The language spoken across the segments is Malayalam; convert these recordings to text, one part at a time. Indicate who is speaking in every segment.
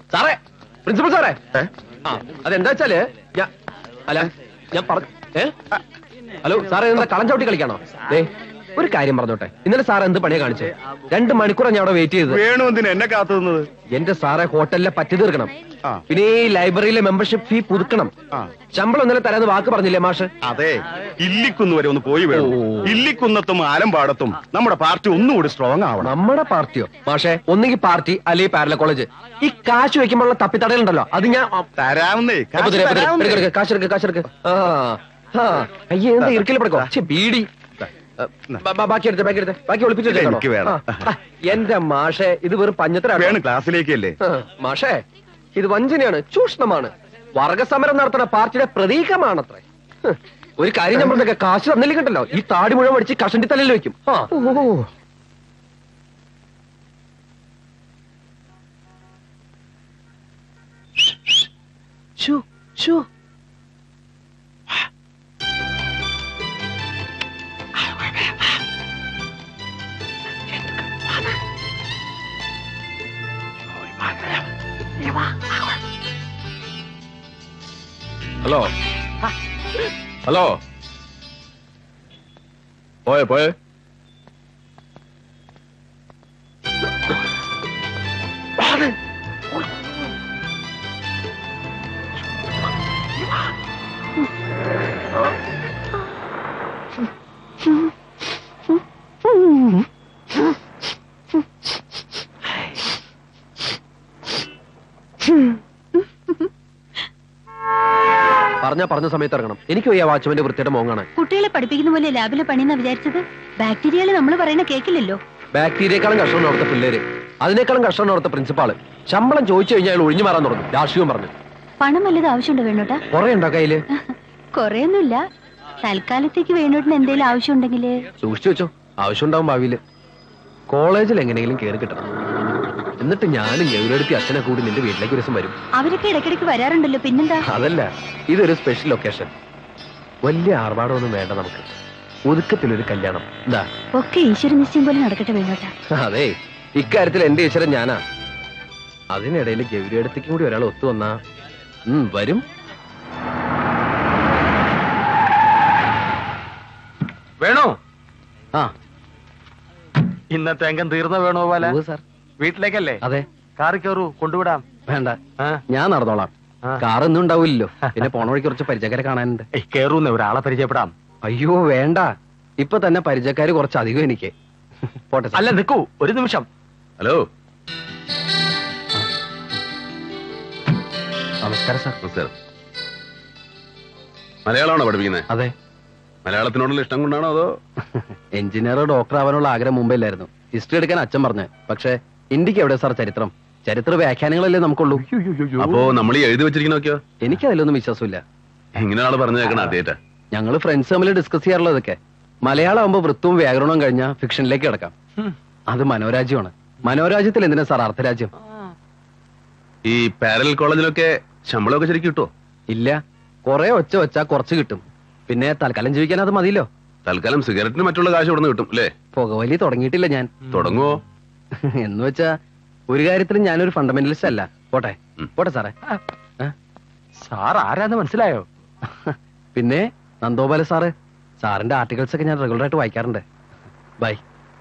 Speaker 1: സാറേ, പ്രിൻസിപ്പൽ സാറേ, അതെന്താ വെച്ചാല് ഞാൻ ഹലോ സാറേ, എന്താ കളം ചവിട്ടി കളിക്കാണോ? ഒരു കാര്യം പറഞ്ഞോട്ടെ, ഇന്നലെ സാർ എന്ത് പണിയാ കാണിച്ചേ? 2 മണിക്കൂറാണ് ഞാൻ അവിടെ വെയിറ്റ് ചെയ്തത്.
Speaker 2: വേണു എന്തിനാ എന്നെ കാത്തുന്നത്?
Speaker 1: എന്റെ സാറെ, ഹോട്ടലിലെ പറ്റി തീർക്കണം, പിന്നെ ഈ ലൈബ്രറിയിലെ മെമ്പർഷിപ്പ് ഫീ പുതുക്കണം, ശമ്പളം ഇന്നലെ തരാന്ന് വാക്ക് പറഞ്ഞില്ലേ മാഷ്?
Speaker 2: അതെ, ഇല്ലിക്കുന്ന് വരെ ഒന്ന് പോയി വേണം. ഇല്ലിക്കുന്നത്തും ആലമ്പാടത്തും നമ്മുടെ പാർട്ടി ഒന്നുകൂടി സ്ട്രോങ് ആവണം.
Speaker 1: നമ്മുടെ പാർട്ടിയോ മാഷെ? ഒന്നെങ്കിൽ പാർട്ടി അല്ലെങ്കിൽ പാരല കോളേജ്. ഈ കാശ് വെക്കുമ്പോഴുള്ള തപ്പിത്തടയുണ്ടല്ലോ, അത് ഞാൻ
Speaker 2: തരാവുന്നേ.
Speaker 1: കാശെടുക്ക്. അയ്യേ, എന്താ ഇറുക്കിൽ പെടുക്കോ? ബീഡി ബാക്കി ഒളിപ്പിച്ചു. എന്റെ മാഷെ, ഇത് വെറും പഞ്ഞത്തരാണ്.
Speaker 2: ക്ലാസ്സിലേക്കല്ലേ
Speaker 1: മാഷെ? ഇത് വഞ്ചനയാണ്, ചൂഷണമാണ്. വർഗസമരം നടത്തുന്ന പാർട്ടിയുടെ പ്രതീകമാണത്രേ. ഒരു കാര്യം ഞാൻ പറഞ്ഞ, കാശ് തന്നില്ലെങ്കിണ്ടല്ലോ ഈ താടി മുഴുവൻ അടിച്ച് കഷണ്ടി തലയിൽ വെക്കും. ഹലോ ഹലോ, പോയേ പറഞ്ഞ സമയത്ത് ഇറങ്ങണം. എനിക്ക് ഈ വാച്ച്മാന്റെ വൃത്തിയുടെ മോങ്ങാണ്.
Speaker 3: കുട്ടികളെ പഠിപ്പിക്കുന്ന പോലെ ലാബിലെ പണിയെന്നാ വിചാരിച്ചത്? ബാക്ടീരിയകള് നമ്മൾ പറയുന്ന കേക്കില്ലല്ലോ.
Speaker 1: ബാക്ടീരിയക്കാളും കഷ്ടമാണ് അവിടുത്തെ പിള്ളേര്, അതിനേക്കാളും കഷ്ടമാണ് അവിടുത്തെ പ്രിൻസിപ്പാള്. ശമ്പളം ചോദിച്ചു കഴിഞ്ഞാൽ അയാൾ ഒഴിഞ്ഞു മാറാൻ തുടങ്ങും. രാഷ്ട്രീയം പറഞ്ഞു.
Speaker 3: പണം വല്ലത് ആവശ്യമുണ്ടോ വേണോട്ടാ?
Speaker 1: കൊറേ ഉണ്ടോ കയ്യില്?
Speaker 3: കൊറേയൊന്നുമില്ല, തൽക്കാലത്തേക്ക് വേണോട്ടിന് എന്തെങ്കിലും ആവശ്യം ഉണ്ടെങ്കില്
Speaker 1: സൂക്ഷിച്ചു വെച്ചോ, ആവശ്യം ഉണ്ടാവും ഭാവിയില്. കോളേജിൽ എങ്ങനെയെങ്കിലും കയറി കിട്ടണം. എന്നിട്ട് ഞാനും ഗൗരവടുത്തി അച്ഛനെ കൂടി നിന്റെ വീട്ടിലേക്ക് ഒരു ദിവസം വരും.
Speaker 3: അവരൊക്കെ ഇടയ്ക്കിടയ്ക്ക് വരാറുണ്ടല്ലോ, പിന്നെന്താ? അതല്ല,
Speaker 1: ഇതൊരു സ്പെഷ്യൽ ലൊക്കേഷൻ. വലിയ ആർഭാടമൊന്നും വേണ്ട നമുക്ക്, ഒതുക്കത്തിലൊരു കല്യാണം. എന്താ?
Speaker 3: ഒക്കെ ഈശ്വര നിശ്ചയം പോലെ നടക്കട്ടെ വേണോട്ടാ.
Speaker 1: അതെ, ഇക്കാര്യത്തിൽ എന്റെ ഈശ്വരൻ ഞാനാ. അതിനിടയിൽ ഗൗരിയടുത്തേക്കും കൂടി ഒരാൾ ഒത്തു വന്നാ വരും.
Speaker 4: വേണോ? ഇന്നത്തെ അംഗം തീർന്ന വേണോ പോലെ?
Speaker 1: സാർ,
Speaker 4: വീട്ടിലേക്കല്ലേ?
Speaker 1: അതെ.
Speaker 4: കാറിൽ കയറൂ, കൊണ്ടുവിടാം.
Speaker 1: വേണ്ട, ഞാൻ നടന്നോളാം. കാർ ഒന്നും ഉണ്ടാവില്ലല്ലോ. പിന്നെ പോണ വഴിക്ക് കുറച്ച് പരിചയക്കാരെ കാണാനുണ്ട്.
Speaker 4: കയറൂന്ന് ഒരാളെ പരിചയപ്പെടാം.
Speaker 1: അയ്യോ വേണ്ട, ഇപ്പൊ തന്നെ പരിചയക്കാര് കുറച്ചധികം എനിക്ക്. പോട്ടെ.
Speaker 4: അല്ല നിൽക്കൂ, ഒരു നിമിഷം.
Speaker 2: ഹലോ,
Speaker 1: നമസ്കാരം സാർ.
Speaker 2: നമസ്കാരം. മലയാളമാണോ പഠിപ്പിക്കുന്നത്?
Speaker 1: അതെ.
Speaker 2: മലയാളത്തിനോടുള്ള ഇഷ്ടം കൊണ്ടാണോ അതോ?
Speaker 1: എഞ്ചിനീയറോ ഡോക്ടർ ആവാനുള്ള ആഗ്രഹം മുമ്പേലായിരുന്നു. ഹിസ്റ്ററി എടുക്കാൻ അച്ഛൻ പറഞ്ഞു. പക്ഷെ ഇന്ത്യക്ക് എവിടെ സാർ ചരിത്രം? ചരിത്ര വ്യാഖ്യാനങ്ങളല്ലേ നമുക്കുള്ളൂ.
Speaker 2: അപ്പോ നമ്മൾ ഈ എഴുതി വെച്ചിരിക്കുന്നൊക്കെയോ?
Speaker 1: എനിക്ക് അതിലൊന്നും വിശ്വാസമില്ല.
Speaker 2: ഇങ്ങനെ ആള് പറഞ്ഞു കേൾക്കണം ആദ്യമായിട്ടാ.
Speaker 1: ഞങ്ങള് ഫ്രണ്ട്സ് തമ്മിൽ ഡിസ്കസ് ചെയ്യാറുള്ളതൊക്കെ. മലയാളം ആകുമ്പോ വൃത്തവും വ്യാകരണവും കഴിഞ്ഞാൽ ഫിക്ഷനിലേക്ക് കിടക്കാം. അത് മനോരാജ്യമാണ്. മനോരാജ്യത്തിൽ എന്തിനാ സാർ അർത്ഥരാജ്യം?
Speaker 2: ഈ പാരലൽ കോളേജിലൊക്കെ ശമ്പളമൊക്കെ ശരിക്കും കിട്ടുമോ?
Speaker 1: ഇല്ല, കുറെ ഒച്ച വെച്ചാ കുറച്ച് കിട്ടും. പിന്നെ തൽക്കാലം ജീവിക്കാൻ അത് മതിയല്ലോ.
Speaker 2: തൽക്കാലം സിഗരറ്റിന് മറ്റുള്ള കാശ് ഇവിടെ നിന്ന് കിട്ടും അല്ലേ?
Speaker 1: പുകവലി തുടങ്ങിയിട്ടില്ല ഞാൻ.
Speaker 2: തുടങ്ങുവോ?
Speaker 1: എന്ന് വെച്ചാ ഒരു കാര്യത്തിലും ഞാനൊരു ഫണ്ടമെന്റലിസ്റ്റ് അല്ല. പോട്ടെ പോട്ടെ സാറേ.
Speaker 4: സാർ ആരാന്ന് മനസ്സിലായോ?
Speaker 1: പിന്നെ നന്ദോപാല സാറ്. സാറിന്റെ ആർട്ടിക്കിൾസ് ഒക്കെ ഞാൻ റെഗുലർ ആയിട്ട് വായിക്കാറുണ്ട്. ബൈ.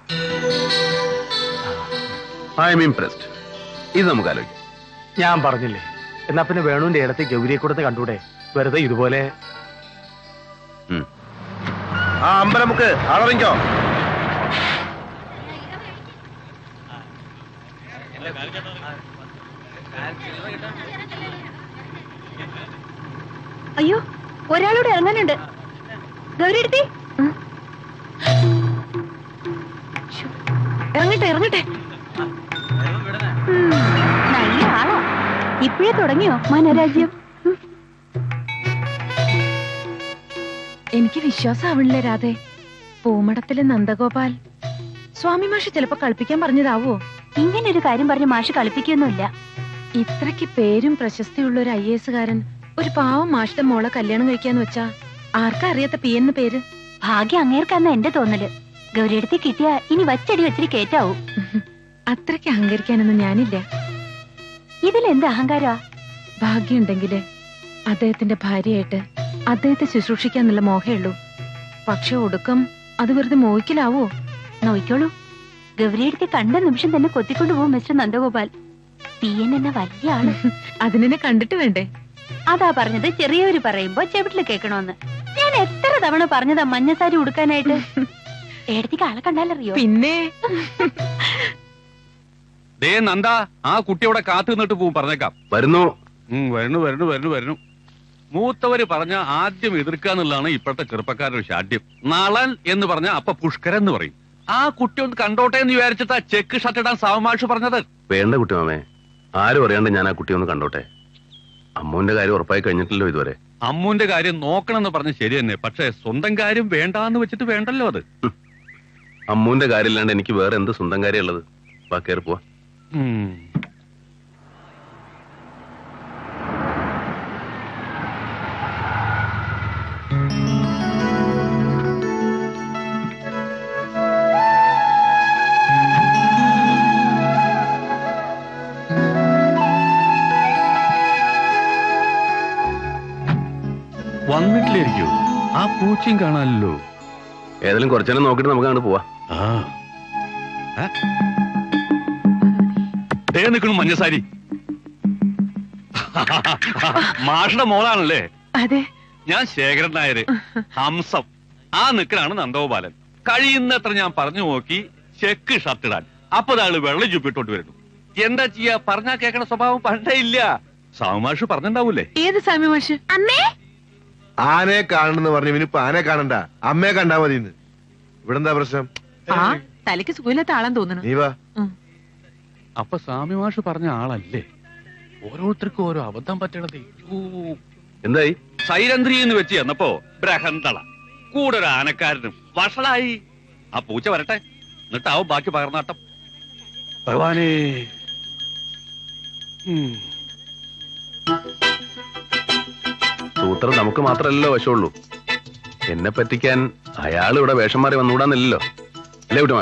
Speaker 2: I am impressed. ഇത് നമുക്ക് ആലോചിക്കാം.
Speaker 4: ഞാൻ പറഞ്ഞില്ലേ, എന്നാ പിന്നെ വേണുവിന്റെ ഇടത്ത് ഗൗരിയെ കൊടുത്ത് കണ്ടൂടെ? വെറുതെ ഇതുപോലെ.
Speaker 2: അമ്പലമുക്ക് ആളറിഞ്ഞോ?
Speaker 3: അയ്യോ, ഒരാളോട് ഇറങ്ങാനുണ്ട്. ഗൗരി എടുത്തി ഇറങ്ങട്ടെ. നല്ല ആളാ. ഇപ്പോഴേ തുടങ്ങിയോ മനോരാജ്യം?
Speaker 5: എനിക്ക് വിശ്വാസമാവണില്ല രാധേ. പൂമടത്തിലെ നന്ദഗോപാൽ സ്വാമി മാഷ് ചിലപ്പോ കളിപ്പിക്കാൻ പറഞ്ഞതാവോ?
Speaker 3: ഇങ്ങനൊരു കാര്യം പറഞ്ഞ് മാഷ് കളിപ്പിക്കൊന്നുമില്ല.
Speaker 5: ഇത്രയ്ക്ക് പേരും പ്രശസ്തിയുള്ള ഒരു IAS കാരൻ ഒരു പാവം മാഷിന്റെ മോളെ കല്യാണം കഴിക്കാന്ന് വെച്ചാ ആർക്കാ അറിയാത്ത PN പേര്?
Speaker 3: ഭാഗ്യം അങ്ങേർക്കാന്ന എന്റെ തോന്നല്. ഗൗരിയെടുത്ത് കിട്ടിയ ഇനി വച്ചടി വെച്ചിട്ട് കേറ്റാവൂ.
Speaker 5: അത്രയ്ക്ക് അഹങ്കരിക്കാനൊന്നും ഞാനില്ല.
Speaker 3: ഇതിലെന്ത് അഹങ്കാരാ?
Speaker 5: ഭാഗ്യമുണ്ടെങ്കില് അദ്ദേഹത്തിന്റെ ഭാര്യയായിട്ട് അദ്ദേഹത്തെ ശുശ്രൂഷിക്കാന്നുള്ള മോഹേ ഉള്ളൂ. പക്ഷെ ഒടുക്കം അത് വെറുതെ മോഹിക്കലാവോ?
Speaker 3: നോയിക്കോളൂ, ഗൗരിയെടുത്ത് കണ്ട നിമിഷം തന്നെ കൊത്തിക്കൊണ്ടുപോകും മിസ്റ്റർ നന്ദഗോപാൽ. പിയൻ എന്ന വലിയ ആള്.
Speaker 5: അതിനെ കണ്ടിട്ട് വേണ്ടേ?
Speaker 3: അതാ പറഞ്ഞത്, ചെറിയവര് പറയുമ്പോ ചെവിട്ടില് കേൾക്കണോന്ന്. ഞാൻ എത്ര തവണ പറഞ്ഞതാ മഞ്ഞസാരി ഉടുക്കാനായിട്ട്. ഏടത്തേക്ക് ആളെ കണ്ടാലറിയോ?
Speaker 5: പിന്നെ
Speaker 2: ദേ നന്ദ, ആ കുട്ടിയോടെ കാത്തു നിന്നിട്ട് പോവും, പറഞ്ഞേക്കാം.
Speaker 6: വരുന്നു.
Speaker 2: വരുന്നു വരുന്നു വരുന്നു വരുന്നു. മൂത്തവര് പറഞ്ഞ ആദ്യം എതിർക്കാന്നുള്ളതാണ് ഇപ്പോഴത്തെ ചെറുപ്പക്കാരുടെ ശാഠ്യം. നളൻ എന്ന് പറഞ്ഞ അപ്പൊ പുഷ്കരൻ എന്ന് പറയും. ആ കുട്ടി ഒന്ന് കണ്ടോട്ടെ എന്ന് വിചാരിച്ചിട്ടാ ചെക്ക് ഷർട്ട് ഇടാൻ സാവമാഷ് പറഞ്ഞത്.
Speaker 6: വേണ്ട കുട്ടി മാമേ, ആരും അറിയാണ്ട് ഞാൻ ആ കുട്ടി ഒന്ന് കണ്ടോട്ടെ. അമ്മുവിന്റെ കാര്യം ഉറപ്പായി കഴിഞ്ഞിട്ടില്ലോ ഇതുവരെ.
Speaker 2: അമ്മുവിന്റെ കാര്യം നോക്കണമെന്ന് പറഞ്ഞ് ശരി തന്നെ, പക്ഷെ സ്വന്തം കാര്യം വേണ്ടാന്ന് വെച്ചിട്ട് വേണ്ടല്ലോ അത്.
Speaker 6: അമ്മുവിന്റെ കാര്യം ഇല്ലാണ്ട് എനിക്ക് വേറെ എന്ത് സ്വന്തം കാര്യം ഉള്ളത്? വാ, കയറി പോവാ.
Speaker 2: വന്നിട്ടില്ലായിരിക്കോ? ആ പൂച്ചയും കാണാനല്ലോ.
Speaker 6: ഏതായാലും കുറച്ചേരം നോക്കിട്ട് നമുക്ക് അങ്ങോട്ട് പോവാ.
Speaker 2: നിൽക്കണു മഞ്ഞസാരി. മാഷയുടെ മോളാണല്ലേ?
Speaker 5: അതെ.
Speaker 2: ഞാൻ ശേഖരൻ നായര്, ഹംസം. ആ നിൽക്കണാണ് നന്ദഗോപാലൻ. കഴിയുന്നത്ര ഞാൻ പറഞ്ഞു നോക്കി ചെക്ക് ഷർട്ട് ഇടാൻ. അപ്പൊ അയാള് വെള്ളം ചുപ്പിട്ടോട്ട് വരുന്നു. എന്താ ചെയ്യാ? പറഞ്ഞാ കേൾക്കണ സ്വഭാവം പണ്ടേ ഇല്ല. സാവുമാഷ് പറഞ്ഞിണ്ടാവൂലേ?
Speaker 5: ഏത് സ്വാമി മാഷ്?
Speaker 3: അമ്മേ,
Speaker 7: ആനയെ കാണണെന്ന് പറഞ്ഞു. ഇനിയിപ്പോ ആനയെ കാണണ്ട, അമ്മയെ കണ്ടാ മതി. ഇവിടെ എന്താ പ്രശ്നം?
Speaker 5: ആ തലയ്ക്ക് സുഖമില്ലാത്ത ആളാൻ തോന്നുന്നു.
Speaker 7: നീ വാ.
Speaker 2: അപ്പൊ സ്വാമിമാഷ് പറഞ്ഞ ആളല്ലേ? ഓരോരുത്തർക്കും ഓരോ അബദ്ധം പറ്റണത്.
Speaker 6: എന്തായി?
Speaker 2: സൈരന്ത്രി എന്ന് വെച്ച് ചെന്നപ്പോ ബ്രഹന്തള കൂടെ ഒരു ആനക്കാരനും വഷളായി. ആ പൂച്ച വരട്ടെ, എന്നിട്ടാവും ബാക്കി പകർന്നാട്ടം. ഭഗവാനേ.
Speaker 6: സൂത്രം നമുക്ക് മാത്രമല്ലല്ലോ വശമുള്ളൂ. എന്നെ പറ്റിക്കാൻ അയാൾ ഇവിടെ വേഷം മാറി വന്നുകൂടാന്നില്ലല്ലോ, അല്ലേ കുട്ടിമാ?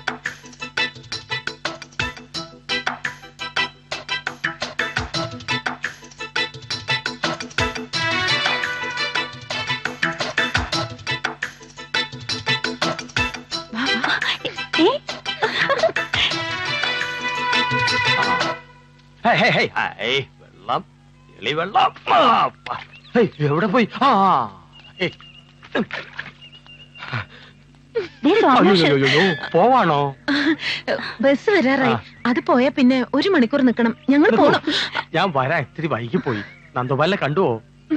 Speaker 4: വെള്ളം, എളി വെള്ളം. എവിടെ പോയി? പോവാണോ?
Speaker 5: ബസ് വരാറായി. അത് പോയാ പിന്നെ 1 മണിക്കൂർ നിക്കണം. ഞങ്ങൾ പോണം.
Speaker 4: ഞാൻ വരാൻ ഇത്തിരി വൈകി പോയി. നന്ദോപാലിനെ കണ്ടുവോ?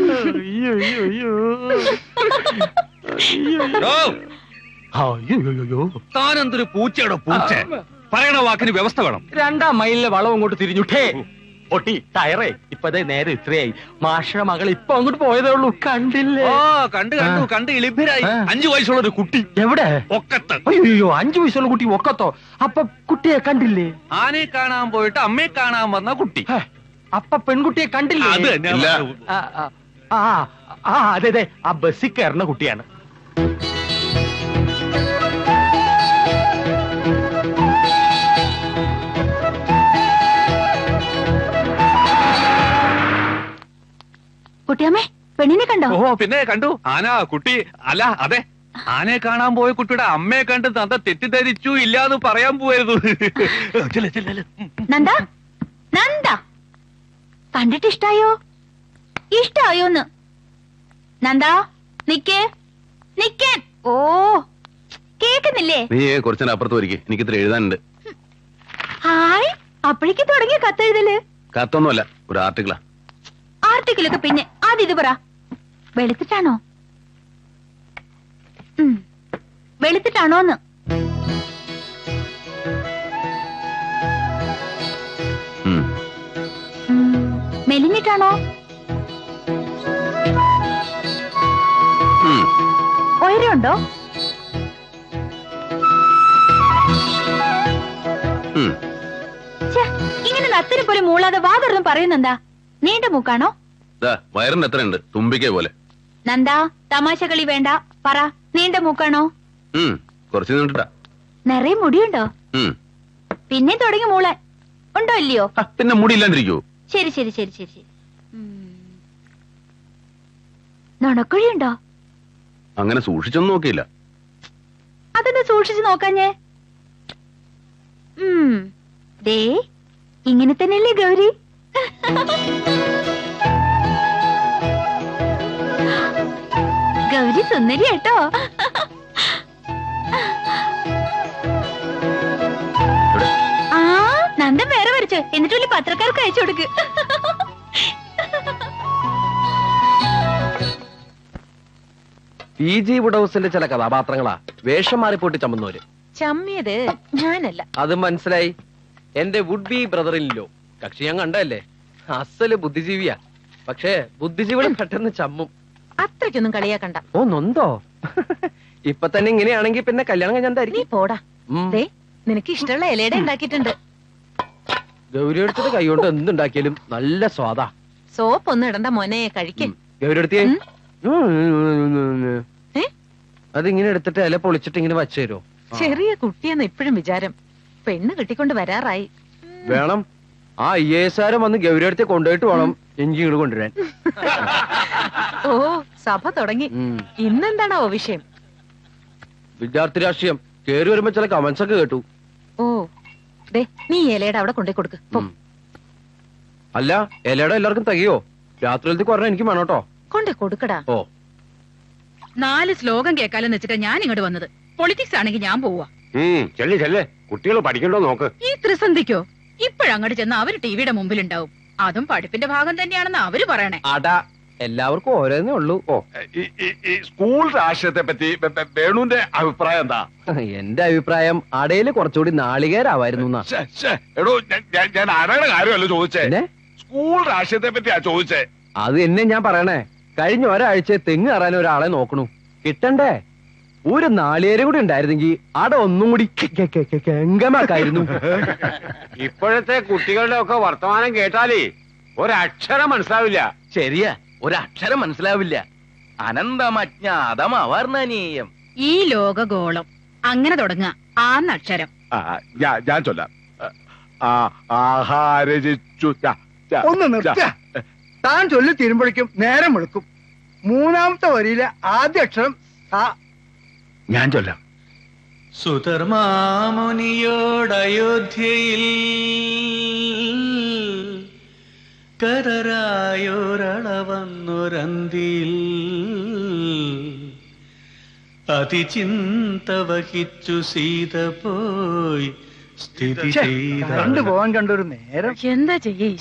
Speaker 2: താനെന്തൊരു പൂച്ചയുടെ പൂച്ച? പറയണ വാക്കിന് വ്യവസ്ഥ വേണം.
Speaker 4: 2-ാം മൈലിലെ വളം അങ്ങോട്ട് തിരിഞ്ഞുട്ടേ പൊട്ടി ടയറേ. ഇപ്പതേ നേരെ ഇത്രയായി. മാഷയുടെ മകൾ ഇപ്പൊ അങ്ങോട്ട് പോയതേ ഉള്ളൂ. കണ്ടില്ലേ?
Speaker 2: കണ്ട് ഇളിഭരായി. 5 വയസ്സുള്ള ഒരു കുട്ടി.
Speaker 4: എവിടെ?
Speaker 2: ഒക്കത്ത്.
Speaker 4: അയ്യോ, 5 വയസ്സുള്ള കുട്ടി ഒക്കത്തോ? അപ്പൊ കുട്ടിയെ കണ്ടില്ലേ?
Speaker 2: ആനയെ കാണാൻ പോയിട്ട് അമ്മയെ കാണാൻ വന്ന കുട്ടി.
Speaker 4: അപ്പൊ പെൺകുട്ടിയെ കണ്ടില്ലേ?
Speaker 2: അത് തന്നെ.
Speaker 4: അതെ അതെ, ആ ബസ്സിൽ കയറുന്ന കുട്ടിയാണ്.
Speaker 3: കുട്ടിയമ്മേ, പെണ്ണിനെ കണ്ടോ?
Speaker 2: ഓ പിന്നെ കണ്ടു. ആന കുട്ടി അല്ല, അതെ, ആനയെ കാണാൻ പോയ കുട്ടിയുടെ അമ്മയെ കണ്ട് നന്ദ തെറ്റിദ്ധരിച്ചു ഇല്ലാന്ന് പറയാൻ പോയിരുന്നു.
Speaker 3: നന്ദ, നന്ദ, കണ്ടിട്ട് ഇഷ്ടായോ? ഇഷ്ടായോന്ന്? നന്ദ, നിക്കേ, നിക്കാൻ. ഓ, കേക്കുന്നില്ലേ?
Speaker 6: നീ കുറച്ചേരം അപ്പുറത്ത് വരിക, എനിക്ക് ഇത്ര എഴുതാനുണ്ട്.
Speaker 3: ഹായ്, അപ്പോഴേക്ക് തുടങ്ങിയ കത്തെഴുതല്?
Speaker 6: കത്തൊന്നുമല്ല, ഒരു ആർട്ടിക്കിളാ.
Speaker 3: ആർട്ടിക്കിലൊക്കെ പിന്നെ ആദ്യം ഇത് പറ. വെളുത്തിട്ടാണോ? വെളുത്തിട്ടാണോന്ന്? മെലിഞ്ഞിട്ടാണോ? ഉയരമുണ്ടോ? ഇങ്ങനെ നത്തിന് പോലെ മൂളാതെ വാതൊന്നും പറയുന്നെന്താ? നീണ്ട മൂക്കാണോ?
Speaker 6: വയറിന് എത്രയുണ്ട്? തുമ്പിക്കേ പോലെ.
Speaker 3: നന്ദാ, തമാശ കളി വേണ്ട. പറ, നീണ്ട മൂക്കാണോ?
Speaker 6: കുറച്ച് നീണ്ടിട്ടാ.
Speaker 3: നിറയെ മുടിയുണ്ടോ? പിന്നെ തുടങ്ങി മൂളാൻ. ഉണ്ടോ ഇല്ലയോ?
Speaker 6: പിന്നെ മുടിയില്ലാണ്ടിരിക്കൂ.
Speaker 3: ശരി ശരി ശരി ശരി ശരി. നുണക്കുഴിയുണ്ടോ?
Speaker 6: അങ്ങനെ സൂക്ഷിച്ചൊന്നും നോക്കിയില്ല.
Speaker 3: അതെന്താ സൂക്ഷിച്ചു നോക്കാഞ്ഞേ? ദേ ഇങ്ങനെ തന്നെയല്ലേ ഗൗരി? ഗൗരി സുന്ദരി കേട്ടോ. ആ നന്ദൻ വേറെ വരച്ചു, എന്നിട്ട് വലിയ പത്രക്കാർക്ക് അയച്ചു കൊടുക്ക്.
Speaker 1: PG വുഡൌസിന്റെ ചില കഥാപാത്രങ്ങളാ വേഷം മാറിപ്പോയിട്ട് ചമ്മുന്നവര്.
Speaker 5: ചമ്മിയത് ഞാനല്ല.
Speaker 1: അത് മനസ്സിലായി. എന്റെ വുഡ് ബി ബ്രദറിലോ കക്ഷി ഞാൻ കണ്ടല്ലേ, അസല് ബുദ്ധിജീവിയാ. പക്ഷേ ബുദ്ധിജീവികൾ പെട്ടെന്ന് ചമ്മും.
Speaker 5: അത്രയ്ക്കൊന്നും കളിയാക്കണ്ട.
Speaker 1: ഓ നൊന്തോ? ഇപ്പൊ തന്നെ ഇങ്ങനെയാണെങ്കിൽ പിന്നെ കല്യാണം
Speaker 5: നീ
Speaker 1: കഴിഞ്ഞായിരിക്കും.
Speaker 5: പോടാ. ദേ നിനക്ക് ഇഷ്ടമുള്ള ഇലയുടെ ഉണ്ടാക്കിയിട്ടുണ്ട്.
Speaker 1: ഗൗരി എടുത്തിട്ട് കൈകൊണ്ട് എന്തുണ്ടാക്കിയാലും നല്ല സ്വാദാ.
Speaker 5: സോപ്പ് ഒന്നും ഇടണ്ട മോനെ, കഴിക്കും.
Speaker 1: ഗൗരി എടുത്തിയേ. അതിങ്ങനെ എടുത്തിട്ട് ഇല പൊളിച്ചിട്ട് ഇങ്ങനെ വച്ചു തരുമോ?
Speaker 5: ചെറിയ കുട്ടിയെന്ന് ഇപ്പോഴും വിചാരം. പെണ്ണ് കിട്ടിക്കൊണ്ട് വരാറായി.
Speaker 1: വേണം. ആ IAS വന്ന് ഗൗരി അടുത്ത് കൊണ്ടുപോയിട്ട് വേണം എനിക്ക് ഇങ്ങോട്ട് കൊണ്ടുവരാൻ.
Speaker 5: ഓ സഭ തുടങ്ങി. ഇന്നെന്താണോ വിഷയം?
Speaker 1: വിദ്യാർത്ഥി രാഷ്ട്രീയം. കേറി വരുമ്പോ ചില കമന്റ്സ് ഒക്കെ കേട്ടു.
Speaker 5: ഓ ദേ നീ ഇലയുടെ അവിടെ കൊണ്ടേ കൊടുക്ക്.
Speaker 1: അല്ല ഇലയുടെ എല്ലാവർക്കും തികയോ? രാത്രിയിലത്തെ കുറഞ്ഞ എനിക്ക് വേണം കേട്ടോ.
Speaker 5: കൊണ്ടേ കൊടുക്കടാ.
Speaker 1: ഓ
Speaker 8: 4 ശ്ലോകം കേൾക്കാലെന്ന് വെച്ചിട്ട് ഞാൻ ഇങ്ങോട്ട് വന്നത്. പൊളിറ്റിക്സ് ആണെങ്കിൽ ഞാൻ പോവാ.
Speaker 9: ചെല്ലേ ചെല്ലേ, കുട്ടികൾ പഠിക്കണ്ടോ നോക്ക്.
Speaker 8: ഈ ത്രിസന്ധിക്കോ? ഇപ്പോഴങ്ങോട്ട് ചെന്ന് അവര് ടിവിയുടെ മുമ്പിലുണ്ടാവും. അതും പഠിപ്പിന്റെ ഭാഗം തന്നെയാണെന്ന് അവര് പറയണേ.
Speaker 1: അടാ എല്ലാവർക്കും ഓരോന്നേ ഉള്ളൂ. ഓ
Speaker 9: ഈ സ്കൂൾ രാഷ്ട്രീയത്തെ പറ്റി വേണുവിന്റെ അഭിപ്രായം എന്താ?
Speaker 1: എന്റെ അഭിപ്രായം അടയില് കുറച്ചുകൂടി നാളികേരാവായിരുന്നു.
Speaker 9: എടോ ഞാൻ ആരുടെ കാര്യമല്ലോ ചോദിച്ചേ,
Speaker 1: പിന്നെ
Speaker 9: സ്കൂൾ രാഷ്ട്രീയത്തെ പറ്റിയാ ചോദിച്ചേ.
Speaker 1: അത് എന്നെ ഞാൻ പറയണേ. കഴിഞ്ഞ ഒരാഴ്ച തെങ്ങ് കയറാൻ ഒരാളെ നോക്കണു. കിട്ടണ്ടേ? ഒരു നാളികേരം കൂടി ഉണ്ടായിരുന്നെങ്കിൽ അട ഒന്നും കൂടി കെങ്കമാക്കായിരുന്നു.
Speaker 9: ഇപ്പോഴത്തെ കുട്ടികളുടെ ഒക്കെ വർത്തമാനം കേട്ടാലേ ഒരക്ഷരം മനസ്സിലാവില്ല.
Speaker 4: ശരിയാ, ഒരക്ഷരം മനസ്സിലാവില്ല. അനന്തമജ്ഞാതമവർണ്ണനീയം.
Speaker 8: ഈ ലോകഗോളം അങ്ങനെ തുടങ്ങുക. ആന്നക്ഷരം.
Speaker 9: ഞാൻ ചൊല്ലാം. ആഹാരജിച്ചു.
Speaker 10: ഒന്ന് നിർത്തുക. താൻ ചൊല്ലി തീരുമ്പോഴേക്കും നേരം വെളുക്കും. 3ാമത്തെ വരിയിലെ ആദ്യ അക്ഷരം
Speaker 9: ഞാൻ ചൊല്ലാം.
Speaker 11: സുധർമാമുനിയോടയോധ്യയിൽ കരരായോരളവന്നൊരന്തിയിൽ അതിചിന്ത വഹിച്ചു സീത പോയി സ്ഥിതി ചെയ്ത
Speaker 10: കണ്ടുപോകാൻ കണ്ടൊരു നേരം.
Speaker 5: എന്താ ചെയ്യേ